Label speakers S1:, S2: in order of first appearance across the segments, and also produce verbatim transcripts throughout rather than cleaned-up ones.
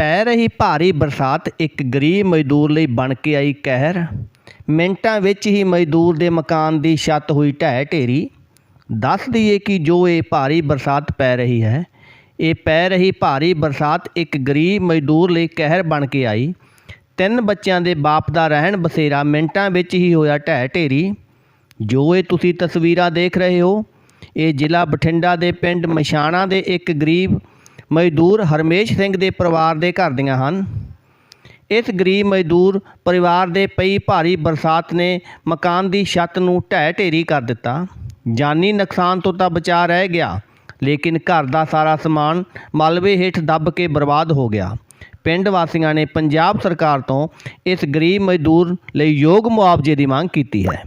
S1: ਪੈ ਰਹੀ ਭਾਰੀ ਬਰਸਾਤ ਇੱਕ ਗਰੀਬ ਮਜ਼ਦੂਰ ਲਈ ਬਣ ਕੇ ਆਈ ਕਹਿਰ। ਮਿੰਟਾਂ ਵਿੱਚ ਹੀ ਮਜ਼ਦੂਰ ਦੇ ਮਕਾਨ ਦੀ ਛੱਤ ਹੋਈ ਢਹਿ ਢੇਰੀ। ਦੱਸ ਦਈਏ ਕਿ ਜੋ ਇਹ ਭਾਰੀ ਬਰਸਾਤ ਪੈ ਰਹੀ ਹੈ, ਇਹ ਪੈ ਰਹੀ ਭਾਰੀ ਬਰਸਾਤ ਇੱਕ ਗਰੀਬ ਮਜ਼ਦੂਰ ਲਈ ਕਹਿਰ ਬਣ ਕੇ ਆਈ। ਤਿੰਨ ਬੱਚਿਆਂ ਦੇ ਬਾਪ ਦਾ ਰਹਿਣ ਬਸੇਰਾ ਮਿੰਟਾਂ ਵਿੱਚ ਹੀ ਹੋਇਆ ਢਹਿ ਢੇਰੀ। ਜੋ ਇਹ ਤੁਸੀਂ ਤਸਵੀਰਾਂ ਦੇਖ ਰਹੇ ਹੋ, ਇਹ ਜ਼ਿਲ੍ਹਾ ਬਠਿੰਡਾ ਦੇ ਪਿੰਡ ਮਛਾਣਾ ਦੇ ਇੱਕ ਗਰੀਬ ਮਜ਼ਦੂਰ ਹਰਮੇਸ਼ ਸਿੰਘ ਦੇ ਪਰਿਵਾਰ ਦੇ ਘਰ ਦੀਆਂ ਹਨ। ਇਸ ਗਰੀਬ ਮਜ਼ਦੂਰ ਪਰਿਵਾਰ ਦੇ ਪਈ ਭਾਰੀ ਬਰਸਾਤ ਨੇ ਮਕਾਨ ਦੀ ਛੱਤ ਨੂੰ ਢਹਿ ਢੇਰੀ ਕਰ ਦਿੱਤਾ। ਜਾਨੀ ਨੁਕਸਾਨ ਤੋਂ ਤਾਂ ਬਚਾ ਰਹਿ ਗਿਆ, ਲੇਕਿਨ ਘਰ ਦਾ ਸਾਰਾ ਸਮਾਨ ਮਲਬੇ ਹੇਠ ਦੱਬ ਕੇ ਬਰਬਾਦ ਹੋ ਗਿਆ। ਪਿੰਡ ਵਾਸੀਆਂ ਨੇ ਪੰਜਾਬ ਸਰਕਾਰ ਤੋਂ ਇਸ ਗਰੀਬ ਮਜ਼ਦੂਰ ਲਈ ਯੋਗ ਮੁਆਵਜ਼ੇ ਦੀ ਮੰਗ ਕੀਤੀ ਹੈ।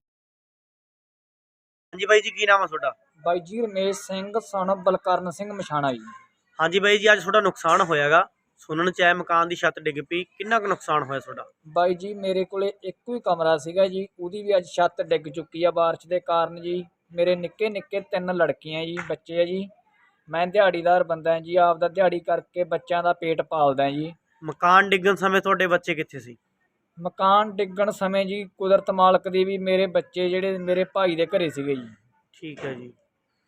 S2: ਹਾਂਜੀ ਬਾਈ ਜੀ, ਕੀ ਨਾਮ ਹੈ ਤੁਹਾਡਾ?
S3: ਬਾਈ ਜੀ ਰਮੇਸ਼ ਸਿੰਘ ਸਨ ਬਲਕਰਨ ਸਿੰਘ ਮਛਾਣਾ ਜੀ।
S2: ਹਾਂਜੀ ਬਾਈ ਜੀ, ਅੱਜ ਤੁਹਾਡਾ ਨੁਕਸਾਨ ਹੋਇਆਗਾ, ਸੁਣਨ ਚ ਆਇਆ ਮਕਾਨ ਦੀ ਛੱਤ ਡਿੱਗ ਪਈ, ਕਿੰਨਾ ਕੁ ਨੁਕਸਾਨ ਹੋਇਆ ਤੁਹਾਡਾ?
S3: ਬਾਈ ਜੀ ਮੇਰੇ ਕੋਲੇ ਇੱਕੋ ਹੀ ਕਮਰਾ ਸੀਗਾ ਜੀ, ਉਹਦੀ ਵੀ ਅੱਜ ਛੱਤ ਡਿੱਗ ਚੁੱਕੀ ਆ ਬਾਰਿਸ਼ ਦੇ ਕਾਰਨ ਜੀ। ਮੇਰੇ ਨਿੱਕੇ ਨਿੱਕੇ ਤਿੰਨ ਲੜਕੀਆਂ ਜੀ, ਬੱਚੇ ਆ ਜੀ। ਮੈਂ ਦਿਹਾੜੀਦਾਰ ਬੰਦਾ ਜੀ, ਆਪਦਾ ਦਿਹਾੜੀ ਕਰਕੇ ਬੱਚਿਆਂ ਦਾ ਪੇਟ ਪਾਲਦਾ ਜੀ।
S2: ਮਕਾਨ ਡਿੱਗਣ ਸਮੇਂ ਤੁਹਾਡੇ ਬੱਚੇ ਕਿੱਥੇ ਸੀ?
S3: ਮਕਾਨ ਡਿੱਗਣ ਸਮੇਂ ਜੀ ਕੁਦਰਤ ਮਾਲਕ ਦੀ ਵੀ ਮੇਰੇ ਬੱਚੇ ਜਿਹੜੇ ਮੇਰੇ ਭਾਈ ਦੇ ਘਰੇ ਸੀਗੇ ਜੀ।
S2: ਠੀਕ ਹੈ ਜੀ,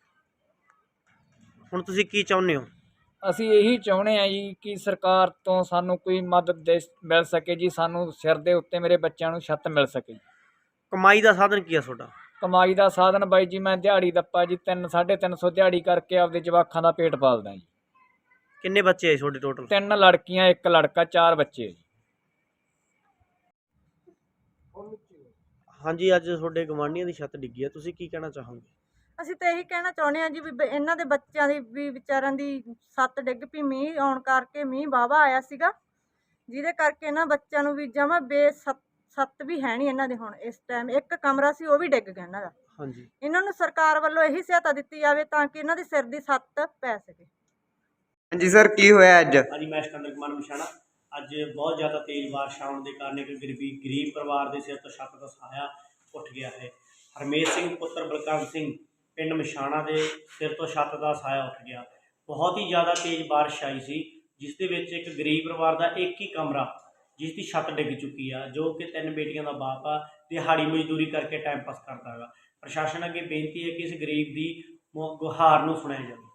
S2: ਹੁਣ ਤੁਸੀਂ ਕੀ ਚਾਹੁੰਦੇ ਹੋ?
S3: ਅਸੀਂ ਇਹੀ ਚਾਹੁੰਦੇ ਹਾਂ ਜੀ ਕਿ ਸਰਕਾਰ ਤੋਂ ਸਾਨੂੰ ਕੋਈ ਮਦਦ ਦੇ ਮਿਲ ਸਕੇ ਜੀ, ਸਾਨੂੰ ਸਿਰ ਦੇ ਉੱਤੇ ਮੇਰੇ ਬੱਚਿਆਂ ਨੂੰ ਛੱਤ ਮਿਲ ਸਕੇ।
S2: ਕਮਾਈ ਦਾ ਸਾਧਨ ਕੀ ਆ ਤੁਹਾਡਾ?
S3: ਕਮਾਈ ਦਾ ਸਾਧਨ ਬਾਈ ਜੀ ਮੈਂ ਦਿਹਾੜੀ ਦੱਪਾ ਜੀ ਤਿੰਨ ਸਾਢੇ ਤਿੰਨ ਸੌ ਦਿਹਾੜੀ ਕਰਕੇ ਆਪਦੇ ਜਵਾਕਾਂ ਦਾ ਪੇਟ ਪਾਲਦਾ ਜੀ।
S2: ਕਿੰਨੇ ਬੱਚੇ ਆ ਤੁਹਾਡੇ ਟੋਟਲ?
S3: ਤਿੰਨ ਲੜਕੀਆਂ ਇੱਕ ਲੜਕਾ, ਚਾਰ ਬੱਚੇ ਜੀ।
S2: ਹਾਂਜੀ, ਅੱਜ ਤੁਹਾਡੇ ਗਵਾਂਢੀਆਂ ਦੀ ਛੱਤ ਡਿੱਗੀ ਆ, ਤੁਸੀਂ ਕੀ ਕਹਿਣਾ ਚਾਹੋਗੇ?
S4: ਅਸੀਂ ਤਾਂ ਇਹੀ ਕਹਿਣਾ ਚਾਹੁੰਦੇ ਹਾਂ ਜੀ ਵੀ ਬ- ਇਹਨਾਂ ਦੇ ਬੱਚਿਆਂ ਦੀ ਵੀ ਵਿਚਾਰਿਆਂ ਦੀ ਛੱਤ ਡਿੱਗ ਪਈ ਮੀਂਹ ਆਉਣ ਕਰਕੇ। ਮੀਂਹ ਵਾਹਵਾ ਆਇਆ ਸੀਗਾ, ਜਿਹਦੇ ਕਰਕੇ ਇਹਨਾਂ ਬੱਚਿਆਂ ਨੂੰ ਵੀ ਜਮਾ ਬੇਸ ਛੱਤ ਵੀ ਹੈ ਨਹੀਂ ਇਹਨਾਂ ਦੇ। ਹੁਣ ਇਸ ਟਾਈਮ ਇੱਕ ਕਮਰਾ ਸੀ, ਉਹ ਵੀ ਡਿੱਗ ਗਿਆ ਇਹਨਾਂ ਦਾ।
S2: ਹਾਂਜੀ,
S4: ਇਹਨਾਂ ਨੂੰ ਸਰਕਾਰ ਵੱਲੋਂ ਇਹੀ ਸਹਾਇਤਾ ਦਿੱਤੀ ਜਾਵੇ ਤਾਂ ਕਿ ਇਹਨਾਂ ਦੀ ਸਿਰ ਦੀ ਛੱਤ ਪੈ ਸਕੇ।
S5: ਹਾਂਜੀ ਸਰ, ਕੀ ਹੋਇਆ ਅੱਜ?
S2: ਹਾਂਜੀ ਮੈਂ ਸਿਕੰਦਰ ਕੁਮਾਰ ਮਛਾਣਾ। ਅੱਜ ਬਹੁਤ ਜ਼ਿਆਦਾ ਤੇਜ਼ ਬਾਰਿਸ਼ ਆਉਣ ਦੇ ਕਾਰਨ ਇੱਕ ਗਰੀਬੀ ਗਰੀਬ ਪਰਿਵਾਰ ਦੇ ਸਿਰ ਤੋਂ ਛੱਤ ਦਾ ਸਹਾਇਆ ਉੱਠ ਗਿਆ ਹੈ। ਹਰਮੇਸ਼ ਸਿੰਘ ਪੁੱਤਰ ਬਲਕਰਨ ਸਿੰਘ ਪਿੰਡ ਮਛਾਣਾ ਦੇ ਸਿਰ ਤੋਂ ਛੱਤ ਦਾ ਸਹਾਇਆ ਉੱਠ ਗਿਆ। ਬਹੁਤ ਹੀ ਜ਼ਿਆਦਾ ਤੇਜ਼ ਬਾਰਿਸ਼ ਆਈ ਸੀ, ਜਿਸ ਦੇ ਵਿੱਚ ਇੱਕ ਗਰੀਬ ਪਰਿਵਾਰ ਦਾ ਇੱਕ ਹੀ ਕਮਰਾ, ਜਿਸ ਦੀ ਛੱਤ ਡਿੱਗ ਚੁੱਕੀ ਆ, ਜੋ ਕਿ ਤਿੰਨ ਬੇਟੀਆਂ ਦਾ ਬਾਪ ਆ, ਦਿਹਾੜੀ ਮਜ਼ਦੂਰੀ ਕਰਕੇ ਟਾਈਮ ਪਾਸ ਕਰਦਾ ਹੈਗਾ। ਪ੍ਰਸ਼ਾਸਨ ਅੱਗੇ ਬੇਨਤੀ ਹੈ ਕਿ ਇਸ ਗਰੀਬ ਦੀ ਗੁਹਾਰ ਨੂੰ ਸੁਣਿਆ ਜਾਵੇ।